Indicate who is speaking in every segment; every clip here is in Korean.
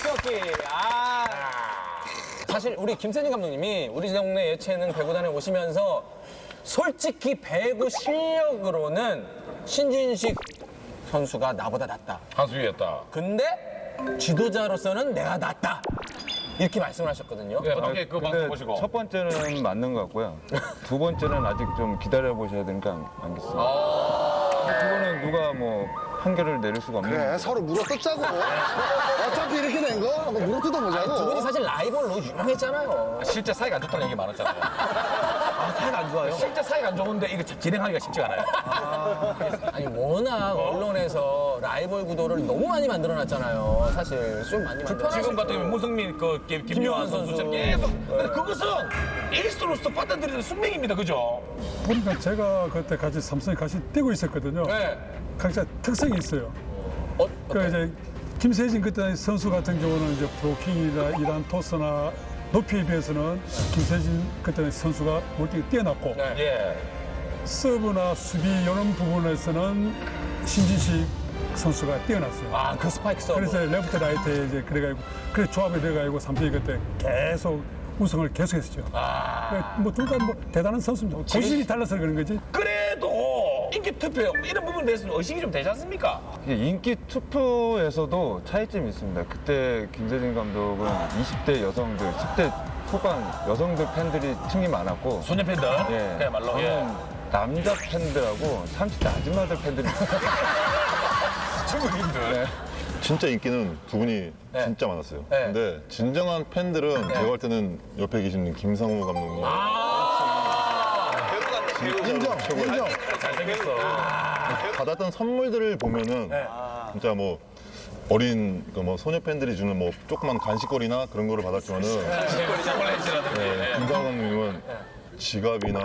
Speaker 1: 워킹. 아. 사실 우리 김세진 감독님이 우리 동네 예체능 배구단에 오시면서 솔직히 배구 실력으로는 신진식 선수가 나보다 낫다.
Speaker 2: 한수위였다.
Speaker 1: 근데 지도자로서는 내가 낫다. 이렇게 말씀을 하셨거든요.
Speaker 2: 네, 어떻게 그 방송
Speaker 3: 근데
Speaker 2: 보시고?
Speaker 3: 첫 번째는 맞는 것 같고요. 두 번째는 아직 좀 기다려 보셔야 되니까 알겠습니다. 그거는 누가 뭐 판결을 내릴 수가 없는
Speaker 4: 그래, 서로 물어뜯자고. 어차피 이렇게 된 거, 뭐 물어뜯어보자고.
Speaker 1: 두 분이 사실 라이벌로 유명했잖아요.
Speaker 2: 실제 사이가 안 좋다는 얘기 많았잖아요.
Speaker 1: 아, 사이가 안 좋아요?
Speaker 2: 실제 사이가 안 좋은데 이거 진행하기가 쉽지가 않아요.
Speaker 1: 아니 워낙 언론에서 라이벌 구도를 너무 많이 만들어놨잖아요. 사실 좀 많이 만들어.
Speaker 2: 지금 같은 경우는 문승민, 김요한 선수처럼 계속. 근데 그것은 에이스로서 받아들이는 숙명입니다, 그죠?
Speaker 5: 보니까 제가 그때 같이 삼성에 같이 뛰고 있었거든요.
Speaker 1: 네.
Speaker 5: 각자 특성이 있어요. 그 이제 김세진 그때 선수 같은 경우는 이제 브로킹이나 이란 토스나 높이에 비해서는 김세진 그때 선수가 월등히 뛰어났고
Speaker 2: 예.
Speaker 5: 서브나 수비 이런 부분에서는 신진식 선수가 뛰어났어요.
Speaker 1: 아, 그 스파이크 서브.
Speaker 5: 그래서 레프트 라이트에 이제 그래가지고 그래 조합이 돼가지고 삼성이 그때 계속 우승을 계속했었죠. 뭐 둘 다 뭐 대단한 선수입니다. 고실이 달라서 그런 거지.
Speaker 2: 그래도 인기 투표 이런 부분에 대해서는 의식이 좀 되지 않습니까?
Speaker 3: 이게 인기 투표에서도 차이점이 있습니다. 그때 김세진 감독은 20대 여성들, 10대 후반 여성들 팬들이 층이 많았고
Speaker 2: 소녀 팬들.
Speaker 3: 예,
Speaker 2: 그야말로.
Speaker 3: 저는
Speaker 2: 예.
Speaker 3: 남자 팬들하고 30대 아줌마들 팬들이
Speaker 2: 중국인들.
Speaker 6: 진짜 인기는 두 분이 진짜 많았어요. 근데 진정한 팬들은 제가 볼 때는 옆에 계시는 김상우 감독님.
Speaker 4: 인정, 인정.
Speaker 2: 잘생겼어.
Speaker 6: 받았던 선물들을 보면은 진짜 뭐 어린 그 뭐 소녀 팬들이 주는 뭐 조그만 간식거리나 그런 거를 받았지만은
Speaker 2: 초콜릿이라든지.
Speaker 6: 김상우 감독님은 지갑이나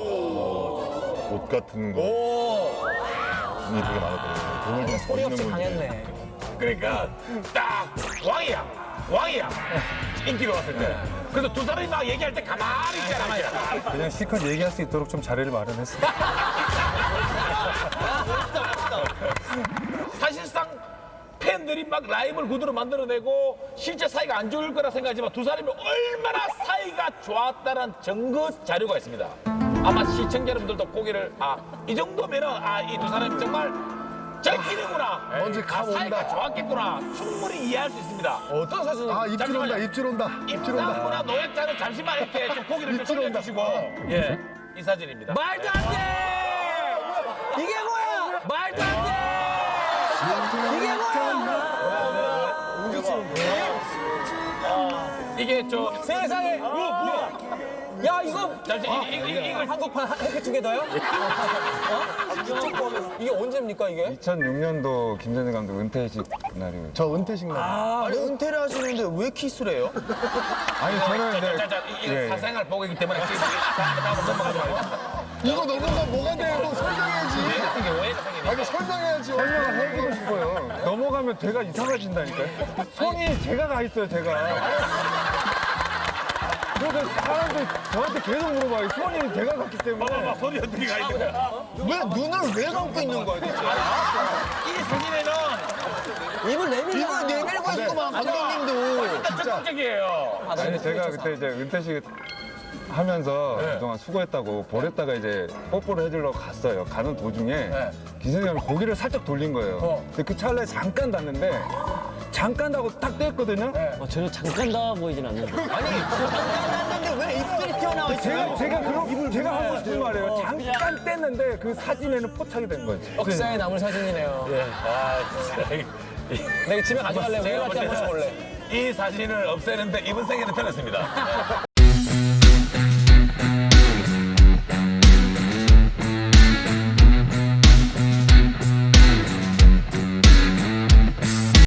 Speaker 6: 옷 같은 거이 되게 많았거든요. 돈을 좀
Speaker 1: 소리 없이
Speaker 6: 버리는 분들이.
Speaker 1: 강했네.
Speaker 2: 그러니까 딱 왕이야. 인기가 왔을 때. 그래서 두 사람이 막 얘기할 때 가만히 있잖아.
Speaker 3: 그냥 실컷 얘기할 수 있도록 좀 자리를 마련했어요.
Speaker 2: 사실상 팬들이 막 라이벌 구도를 만들어내고 실제 사이가 안 좋을 거라 생각하지만 두 사람이 얼마나 사이가 좋았다는 증거 자료가 있습니다. 아마 시청자 여러분들도 고개를 이 정도면은 이 두 사람이 정말 절친이구나.
Speaker 4: 뭔지
Speaker 2: 사이가 좋았겠구나. 충분히 이해할 수 있습니다.
Speaker 1: 어떤 사진?
Speaker 4: 아, 입질 온다, 입질 온다. 입질 온다.
Speaker 2: 입상구나 노약자는 잠시만 이렇게 좀 고개를 좀
Speaker 4: 입질 온다.
Speaker 2: 돌려주시고. 예, 이 사진입니다.
Speaker 1: 말도 안 돼! 이게 뭐야? 말도 안 돼! 이게 뭐야?
Speaker 2: 이게 저
Speaker 1: 세상에! 뭐야? 야, 이거
Speaker 2: 잠시 이걸
Speaker 1: 한국판 해피투게더요? 이게 언제입니까, 이게?
Speaker 3: 2006년도 김세진 감독 은퇴식 날이에요.
Speaker 4: 저 은퇴식 날.
Speaker 1: 아니, 은퇴를 하시는데 왜 키스를 해요?
Speaker 3: 아니 저는 근데
Speaker 2: 이게
Speaker 3: 예, 예.
Speaker 2: 사생활 보고이기 때문에 다음 넘어가지 말고.
Speaker 4: 이거 넘어가 뭐가 돼? 너 설명해야지.
Speaker 2: 이게 오해가 생기니까.
Speaker 4: 아니, 설명해야지.
Speaker 3: 설명을 해주고 싶어요. 넘어가면 되가 이상해진다니까요. 손이 제가 가 있어요, 제가. 그래서 사람들이 저한테 계속 물어봐요. 손이 제가 갔기 때문에.
Speaker 2: 소리 어떻게 가 있는 거야?
Speaker 4: 왜 눈을 왜 감고 있는 거야, 대체?
Speaker 2: 이 사진에는
Speaker 1: 입을 내밀고.
Speaker 4: 이걸 내밀고 있구만, 감독님도. 진짜.
Speaker 2: 적극적이에요.
Speaker 3: 아니 제가 그때 이제 은퇴식 하면서 그동안 수고했다고 볼에다가 이제 뽀뽀를 해주려고 갔어요. 가는 도중에 기생이 형이 고개를 살짝 돌린 거예요. 근데 그 찰나에 잠깐 닿는데 잠깐 하고 딱 뗐거든요.
Speaker 7: 전혀 잠깐 나와 보이진 않는데.
Speaker 1: 했는데 왜 입술이 튀어나와 있어요?
Speaker 3: 제가 하고 싶은 말이에요. 잠깐 뗐는데 그 사진에는 포착이 된 거지.
Speaker 1: 역사에 남을 사진이네요. 내가 집에 가져갈래.
Speaker 2: 제가
Speaker 1: 우리한테
Speaker 2: 볼
Speaker 1: 한번
Speaker 2: 때는
Speaker 1: 볼래.
Speaker 2: 이 사진을 없애는데 이번 생에는 편했습니다.